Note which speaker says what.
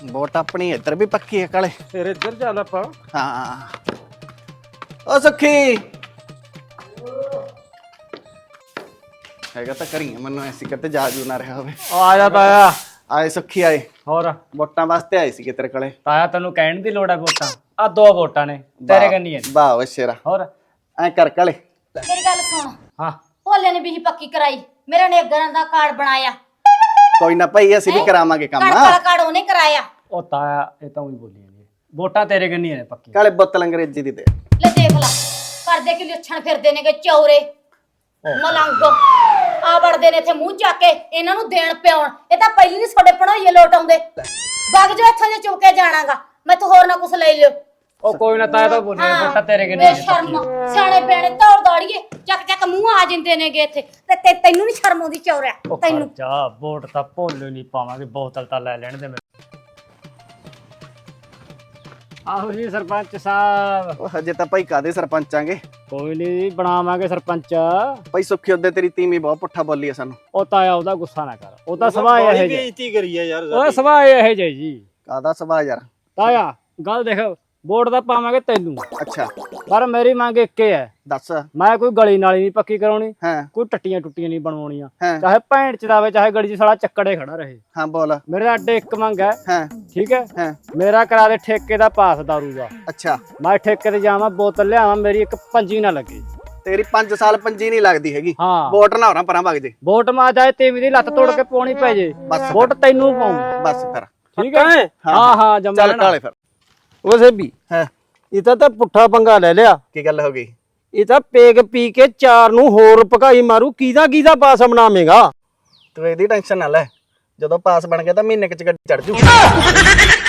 Speaker 1: Vote ਆਪਣੀ ਇੱਧਰ ਵੀ ਪੱਕੀ ਹੈ ਕਾਲੇ।
Speaker 2: ਫਿਰ ਇੱਧਰ ਚੱਲ ਆਪਾਂ।
Speaker 1: ਹਾਂ ਓ ਸੁੱਖੀ ਹੈਗਾ ਤਾਂ ਕਰੀ ਮੈਨੂੰ ਐਸੀ ਕਿਤੇ ਜਾ ਜੂ ਨਾ ਰਿਹਾ ਹੋਵੇ।
Speaker 2: ਆ ਜਾ ਤਾਇਆ।
Speaker 1: ਆਏ ਸੁੱਖੀ ਆਏ,
Speaker 2: ਹੋਰ
Speaker 1: ਵੋਟਾਂ ਵਾਸਤੇ ਆਏ ਸੀ ਤੇਰੇ ਕੋਲੇ।
Speaker 2: ਤਾਇਆ ਤੈਨੂੰ ਕਹਿਣ ਦੀ ਲੋੜ ਹੈ ਵੋਟਾਂ ਆ 2 ਵੋਟਾਂ ਨੇ ਤੇਰੇ ਕੰਨੀ ਹੈ।
Speaker 1: ਵਾਹ ਓਏ ਸ਼ੇਰਾ।
Speaker 2: ਹੋਰ
Speaker 1: ਐ ਕਰ ਕਾਲੇ।
Speaker 3: ਮੇਰੀ ਗੱਲ ਸੁਣ।
Speaker 2: ਹਾਂ
Speaker 3: ਭੋਲੇ ਨੇ ਵੀ ਪੱਕੀ ਕਰਾਈ, ਮੇਰੇ ਨੇ ਗਰਾਂ ਦਾ ਕਾਰਡ ਬਣਾਇਆ।
Speaker 1: ਕੋਈ ਨਾ ਭਾਈ ਅਸੀਂ ਵੀ ਕਰਾਵਾਂਗੇ ਕੰਮ।
Speaker 3: ਕਣਕ ਵਾਲਾ ਕਾਰਡ ਉਹਨੇ ਕਰਾਇਆ।
Speaker 2: ਉਹ ਤਾਇਆ ਇਹ ਤਾਂ ਉਹੀ ਬੋਲੀ ਜਾਂਦੀ ਹੈ, ਵੋਟਾਂ ਤੇਰੇ ਕੰਨੀ ਨੇ ਪੱਕੀ।
Speaker 1: ਕਾਲੇ ਬੋਤਲ ਅੰਗਰੇਜ਼ੀ ਦੀ ਦੇ।
Speaker 3: ਲੈ ਦੇਖ ਲਾ ਕਰਦੇ ਕਿ ਲੱਛਣ ਫਿਰਦੇ ਨੇਗੇ ਚੌਰੇ ਮਲੰਗ ਆ ਵੜਦੇ ਨੇ ਇੱਥੇ ਮੂੰਹ ਚੱਕ ਕੇ ਇਹਨਾਂ ਨੂੰ ਦੇਣ ਪਿਆਉਣ। ਇਹ ਤਾਂ ਪਹਿਲੀ ਨਹੀਂ ਤੁਹਾਡੇ ਪਣੋਈਏ ਲੋਟ ਆਉਂਦੇ। ਵਗ ਜਾ ਇੱਥੋਂ ਜੇ ਚੁੱਕ ਕੇ ਜਾਣਾਗਾ, ਮੈਂ ਤੂੰ ਹੋਰ ਨਾ ਕੁਛ ਲੈ ਲਿਓ।
Speaker 2: ਉਹ ਕੋਈ ਨਾ ਤਾਇਆ ਤਾਂ ਬੋਲੀ ਵੋਟਾਂ ਤੇਰੇ ਕੰਨੀ ਨੇ
Speaker 3: ਸ਼ਰਮ ਸਿਆਣੇ ਬਿਆਣੇ ਦੌੜ ਦੌੜੀਏ ਚੱਕ ਚੱਕ ਮੂੰਹ ਆ ਜਾਂਦੇ ਨੇਗੇ ਇੱਥੇ ਤੇ ਤੈਨੂੰ ਨਹੀਂ ਸ਼ਰਮ ਆਉਂਦੀ ਚੌਰਿਆ ਤੈਨੂੰ।
Speaker 2: ਜਾ ਵੋਟ ਤਾਂ ਭੋਲੇ ਨਹੀਂ ਪਾਵਾਂਗੇ, ਬੋਤਲ ਤਾਂ ਲੈ ਲੈਣ ਦੇ ਮੇਰੇ। ਆਹੋ ਜੀ ਸਰਪੰਚ ਸਾਹਿਬ।
Speaker 1: ਉਹ ਹਜੇ ਤਾਂ ਭਾਈ ਕਾਦੇ ਸਰਪੰਚਾਂਗੇ।
Speaker 2: ਕੋਈ ਨਹੀਂ ਬਣਾਵਾਂਗੇ ਸਰਪੰਚ।
Speaker 1: ਭਾਈ ਸੁੱਖੀ ਉਹਦੇ ਤੇਰੀ ਤੀਵੀਂ ਬਹੁਤ ਪੁੱਠਾ ਬੋਲੀ ਆ ਸਾਨੂੰ।
Speaker 2: ਉਹ ਤਾਇਆ ਉਹਦਾ ਗੁੱਸਾ ਨਾ ਕਰ, ਉਹ ਤਾਂ ਸੁਭਾਅ ਇਹ ਜੇ
Speaker 4: ਬੇਇੱਜ਼ਤੀ ਕਰੀ ਆ ਯਾਰ।
Speaker 2: ਉਹ ਸੁਭਾਅ ਇਹ ਜੇ ਜੀ।
Speaker 1: ਕਾਦਾ ਸੁਭਾਅ ਯਾਰ।
Speaker 2: ਤਾਇਆ ਗੱਲ ਦੇਖ, ਵੋਟ ਤਾਂ ਪਾਵਾਂਗੇ ਤੈਨੂੰ,
Speaker 1: ਅੱਛਾ
Speaker 2: ਪਰ ਮੇਰੀ ਮੰਗ ਇੱਕ ਹੀ ਹੈ।
Speaker 1: ਦੱਸ।
Speaker 2: ਮੈਂ ਕੋਈ ਗਲੀ ਨਾਲੀ ਨਹੀਂ ਪੱਕੀ ਕਰਾਉਣੀ,
Speaker 1: ਹਾਂ
Speaker 2: ਕੋਈ ਟੱਟੀਆਂ ਟੁੱਟੀਆਂ ਨਹੀਂ ਬਣਵਾਉਣੀਆਂ।
Speaker 1: ਹਾਂ
Speaker 2: ਚਾਹੇ ਭੈਣ ਚਦਾਵੇ ਚਾਹੇ ਗਲੀ 'ਚ ਸਾਲਾ ਚੱਕੜੇ ਖੜਾ ਰਹੇ।
Speaker 1: ਹਾਂ ਬੋਲ।
Speaker 2: ਮੇਰੇ ਅੱਡੇ ਇੱਕ ਮੰਗ ਹੈ,
Speaker 1: ਹਾਂ
Speaker 2: ਠੀਕ ਹੈ।
Speaker 1: ਹਾਂ
Speaker 2: ਮੇਰਾ ਕਰਾ ਦੇ ਠੇਕੇ ਦਾ ਪਾਸ ਦਾਰੂ ਦਾ।
Speaker 1: ਅੱਛਾ
Speaker 2: ਮੈਂ ਠੇਕੇ ਤੇ ਜਾਵਾਂ, ਬੋਤਲ ਲਿਆਵਾਂ, ਮੇਰੀ ਇੱਕ ਪੰਜੀ ਨਾ ਲੱਗੇ।
Speaker 1: ਤੇਰੀ 5 ਸਾਲ ਪੰਜੀ ਨਹੀਂ ਲੱਗਦੀ ਹੈਗੀ।
Speaker 2: ਹਾਂ
Speaker 1: ਵੋਟ ਨਾ ਹੋਰਾਂ ਪਰਾਂ ਵਗ ਜੇ।
Speaker 2: ਵੋਟ ਮਾ ਜਾਏ ਤੇਵੀਂ ਦੀ ਲੱਤ ਤੋੜ ਕੇ ਪਾਉਣੀ ਪੈ ਜੇ,
Speaker 1: ਬਸ
Speaker 2: ਵੋਟ ਤੈਨੂੰ ਪਾਉਂ।
Speaker 1: ਬਸ ਫਿਰ
Speaker 2: ਠੀਕ ਹੈ। ਹਾਂ ਹਾਂ ਜੰਮਾ
Speaker 1: ਚੱਲ ਕਾਲੇ ਫਿਰ।
Speaker 4: ਉਹ ਸੇਬੀ
Speaker 1: ਹਾਂ
Speaker 4: ਇਹ ਤਾਂ ਪੁੱਠਾ ਪੰਗਾ ਲੈ ਲਿਆ।
Speaker 1: ਕੀ ਗੱਲ ਹੋ ਗਈ।
Speaker 4: ਇਹ ਤਾਂ ਪੇਗ ਪੀ ਕੇ 4 ਨੂੰ ਹੋਰ ਭਕਾਈ ਮਾਰੂ। ਕਿਹਦਾ ਪਾਸ ਬਣਾਵੇਂਗਾ।
Speaker 1: ਤੂੰ ਇਹਦੀ ਟੈਨਸ਼ਨ ਨਾ ਲੈ, ਜਦੋਂ ਪਾਸ ਬਣ ਗਿਆ ਤਾਂ ਮਹੀਨੇ ਚ ਗੱਡੀ ਚੜ ਜੂ।